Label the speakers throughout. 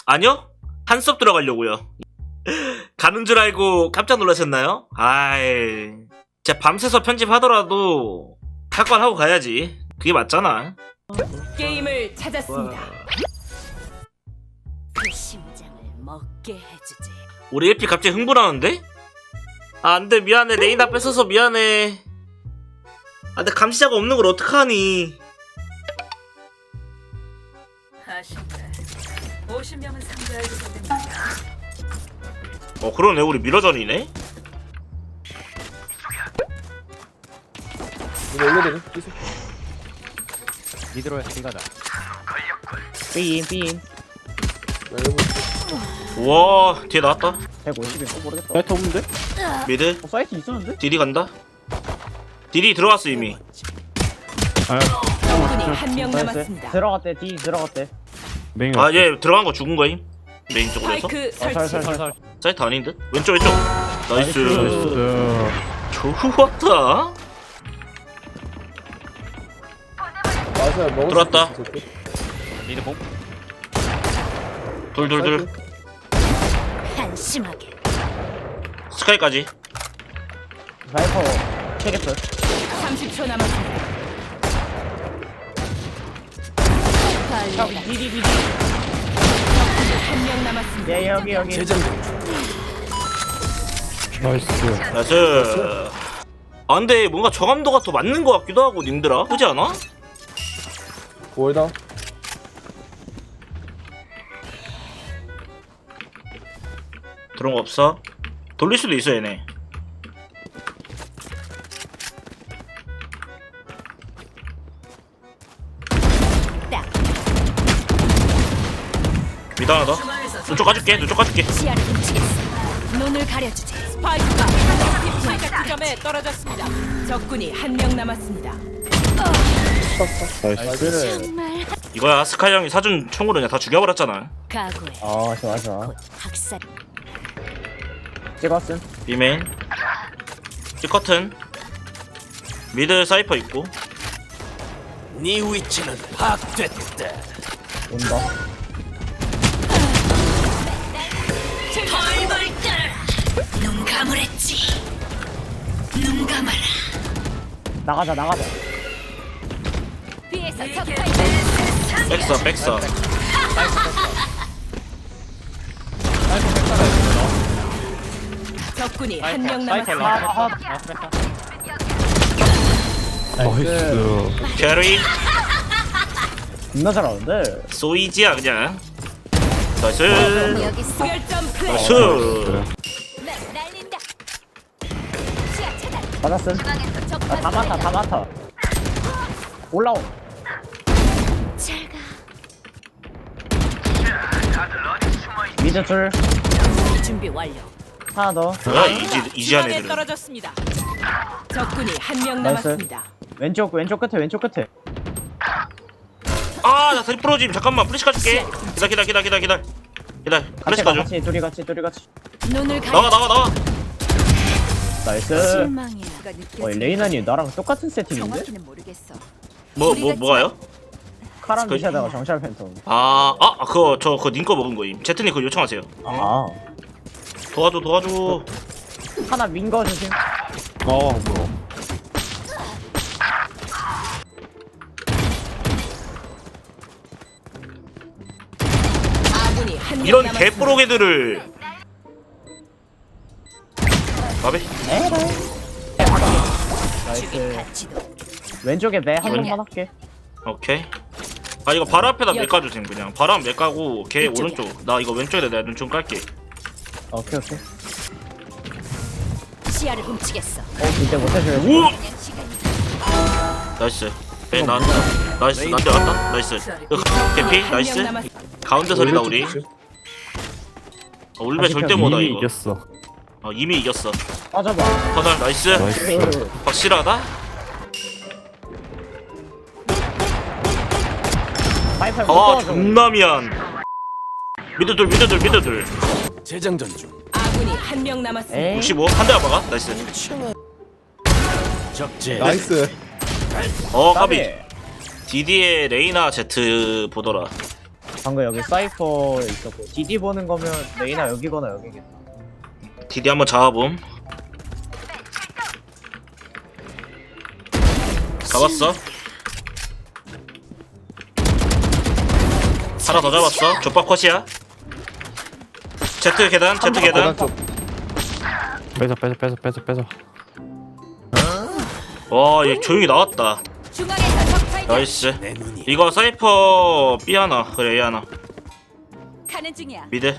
Speaker 1: 아니요? 한 수업 들어가려고요. 가는 줄 알고 깜짝 놀라셨나요? 아이, 진짜 밤새서 편집하더라도 할 건 하고 가야지. 그게 맞잖아.
Speaker 2: 게임을 찾았습니다. 그 심장을 먹게 해주지.
Speaker 1: 우리 LP 갑자기 흥분하는데? 아, 안돼, 미안해. 레이나 뺏어서 미안해. 아, 근데 감시자가 없는 걸 어떡하니.
Speaker 2: 아쉽네. 50명은 상대하게 됩니다.
Speaker 1: 그러네. 우리 미러전이네.
Speaker 3: 이거 올려되네. 계속.
Speaker 4: 미드로 가자.
Speaker 5: 삐인
Speaker 3: 나 여러분.
Speaker 1: 우와, 뒤에 나왔다.
Speaker 5: 150인 모르겠다.
Speaker 4: 사이트 없는데?
Speaker 1: 미드.
Speaker 5: 사이트 있었는데?
Speaker 1: 딜이 간다. 딜이 들어갔어 이미.
Speaker 2: 적군이 한 명
Speaker 5: 나이스.
Speaker 2: 남았습니다.
Speaker 5: 들어갔대. D 들어갔대.
Speaker 4: 메인
Speaker 1: 아, 얘 들어간 거 죽은 거임. 메인 쪽으로 해서.
Speaker 2: 스파이크 설치.
Speaker 5: 살살살.
Speaker 1: 사이트 아닌 듯? 왼쪽 왼쪽. 나이스.
Speaker 4: 나이스.
Speaker 1: 좋았다.
Speaker 3: 맞아, 먹을
Speaker 1: 들어왔다.
Speaker 3: 수 있어, 저렇게.
Speaker 4: 미드 bom.
Speaker 1: 둘둘둘.
Speaker 2: 한심하게.
Speaker 1: 스카이까지.
Speaker 5: 사이퍼 체리프.
Speaker 2: 30초 남았습니다.
Speaker 5: 디디디디.
Speaker 2: 한 명 남았습니다.
Speaker 5: 예 여기.
Speaker 4: 나이스.
Speaker 1: 나이스. 아, 근데 뭔가 저감도가 더 맞는 것 같기도 하고 님들아. 그지 않아?
Speaker 3: 월다.
Speaker 1: 그런 거 없어? 돌릴 수도 있어 얘네. 미드 하나 더. 눈쪽 까줄게. 눈쪽 까줄게.
Speaker 2: 시야를 훔치겠어. 눈을 가려주지. 스파이크가 스파이크 지점에 떨어졌습니다. 적군이 한 명 남았습니다.
Speaker 4: 나이스.
Speaker 2: 정말
Speaker 1: 이거야. 스카이 형이 사준 총으로 그냥 다 죽여버렸잖아.
Speaker 2: 각오해.
Speaker 5: 좋아.
Speaker 2: 학살.
Speaker 5: 찍었음.
Speaker 1: 비메인. 찌커튼. 미드 사이퍼 있고.
Speaker 6: 네 위치는 파악됐다.
Speaker 5: 온다.
Speaker 2: 벌벌 떨어라. 눈 감으랬지. 눈 감아라.
Speaker 5: 나가자.
Speaker 2: 뒤에서 적파이터.
Speaker 1: 백서.
Speaker 2: 적군이 한 명 남았습니다.
Speaker 4: 나이스.
Speaker 1: 캐리.
Speaker 5: 겁나 잘하는데.
Speaker 1: 소이지야 그냥. 나이스.
Speaker 2: 여기 수결점 플레이.
Speaker 1: 나이스.
Speaker 2: 날린다. 시야 차단.
Speaker 5: 받았음.
Speaker 2: 적파
Speaker 5: 다 많다. 올라오.
Speaker 2: 잘 가.
Speaker 5: 미드 줄.
Speaker 2: 준비 완료.
Speaker 5: 하나 더.
Speaker 1: 뭐야 이지한
Speaker 2: 중앙에
Speaker 1: 애들은.
Speaker 2: 떨어졌습니다. 적군이 한 명
Speaker 5: 나이스.
Speaker 2: 남았습니다.
Speaker 5: 왼쪽 끝에.
Speaker 1: 아, 나 다리 부러짐. 잠깐만. 플래시 가줄게. 기다려. 플래시 가줘.
Speaker 5: 둘이 같이.
Speaker 2: 눈을 가려.
Speaker 1: 나와.
Speaker 5: 나이스.
Speaker 2: 실망이야.
Speaker 5: 레이나님 나랑 똑같은 세팅인데?
Speaker 2: 정확히는 모르겠어.
Speaker 1: 뭐가요?
Speaker 5: 카람 디샤다가 정찰 팬텀.
Speaker 1: 그거 님 거 먹은 거임. 제트님 그거 요청하세요.
Speaker 5: 아.
Speaker 1: 도와줘.
Speaker 5: 하나 민거 주심.
Speaker 4: 뭐야.
Speaker 2: 아군이 한 명
Speaker 1: 이런
Speaker 2: 남았습니다.
Speaker 1: 개뽀록애들을. 마베.
Speaker 5: 나이스.
Speaker 2: 가치도.
Speaker 5: 왼쪽에 매 한 번만 할게.
Speaker 1: 오케이. 아, 이거 바로 앞에다 매 까주세요. 그냥 바로 앞 매 까고 걔
Speaker 2: 이쪽이야.
Speaker 1: 오른쪽. 나 이거 왼쪽에다 내가 눈 좀 깔게.
Speaker 5: 오케이.
Speaker 2: 시야를 훔치겠어.
Speaker 5: 이제 못해줘야지.
Speaker 1: 오! 나이스. 배 나왔다. 나이스. 나한테 왔다. 나이스. 이거 개피.
Speaker 2: 한
Speaker 1: 나이스.
Speaker 2: 명 남았.
Speaker 1: 가운데 설이다 우리. 울베 절대 못하
Speaker 4: 이미
Speaker 1: 이거.
Speaker 4: 이겼어.
Speaker 1: 이미 이겼어.
Speaker 5: 빠져봐.
Speaker 1: 터널 나이스.
Speaker 4: 나이스.
Speaker 1: 확실하다.
Speaker 5: 파이파이 못
Speaker 1: 아,
Speaker 5: 도와줘.
Speaker 1: 존나 미안. 미드들.
Speaker 6: 재장전 중.
Speaker 2: 아군이 한 명 남았습니다.
Speaker 5: 에이.
Speaker 1: 65. 한 대가 막아. 나이스.
Speaker 6: 적재.
Speaker 3: 나이스.
Speaker 1: 까비. 디디의 레이나 제트 보더라.
Speaker 5: 방금 여기 사이퍼 있었고 DD 보는 거면 레이나 여기거나 여기겠다.
Speaker 1: 디디 한번 잡아봄. 잡았어. 하나 더 잡았어. 족박 컷이야. Z 계단, Z 계단.
Speaker 3: 계단 쪽.
Speaker 4: 빼서.
Speaker 1: 와, 얘 조용히 나왔다.
Speaker 2: 중앙에서 적 발견.
Speaker 1: 나이스.
Speaker 6: 내 눈이
Speaker 1: 이거 사이퍼 B 하나, 그래 A 하나.
Speaker 2: 가는 중이야.
Speaker 1: 미드.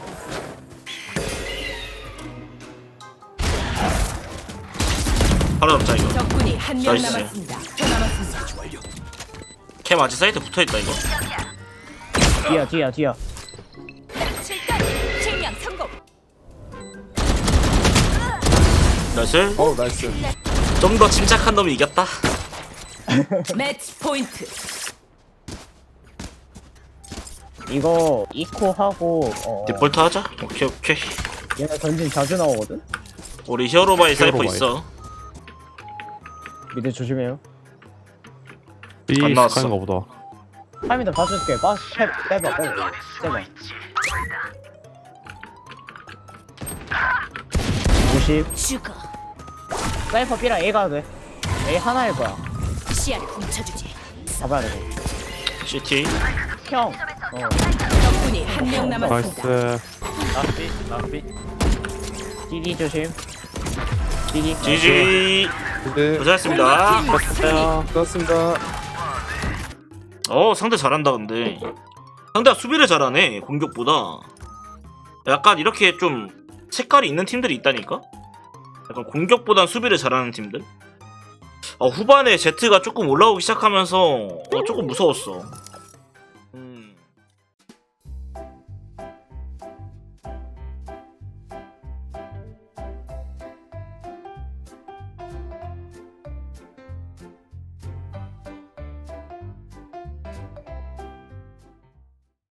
Speaker 1: 하나 잡자 이거.
Speaker 2: 적군이 한 명
Speaker 1: 나이스.
Speaker 2: 남았습니다. 더 남았습니다.
Speaker 1: 캠 아직 사이트 붙어있다 이거.
Speaker 5: 뒤야.
Speaker 2: 칠단 실명 성공.
Speaker 1: 나이스.
Speaker 3: 어우 나이스.
Speaker 1: 좀 더 침착한 놈이 이겼다.
Speaker 2: 매치 포인트.
Speaker 5: 이거 이코 하고
Speaker 1: 디폴트 하자. 오케이.
Speaker 5: 얘네 전진 자주 나오거든.
Speaker 1: 우리 히어로바이 사이퍼
Speaker 4: 히어로바이.
Speaker 1: 있어.
Speaker 5: 미드 조심해요.
Speaker 4: B
Speaker 1: 안 나왔어.
Speaker 4: 스카인가 보다.
Speaker 5: 타이밍도 봐줄게. 빼봐. 50.
Speaker 2: 죽어.
Speaker 5: 사이퍼 B랑 A 가도 돼. A 하나일 거야.
Speaker 2: 시야를 훔쳐주지.
Speaker 5: 잡아야 돼.
Speaker 1: CT.
Speaker 5: 형.
Speaker 2: 적군이 한 명 남았습니다.
Speaker 4: 나이스.
Speaker 5: DD 조심. DD.
Speaker 1: GG.
Speaker 3: 네.
Speaker 1: 고생했습니다.
Speaker 3: 좋았습니다.
Speaker 1: 상대 잘한다 근데. 상대가 수비를 잘하네 공격보다. 약간 이렇게 좀 색깔이 있는 팀들이 있다니까? 약간 공격보단 수비를 잘하는 팀들? 후반에 Z가 조금 올라오기 시작하면서 조금 무서웠어.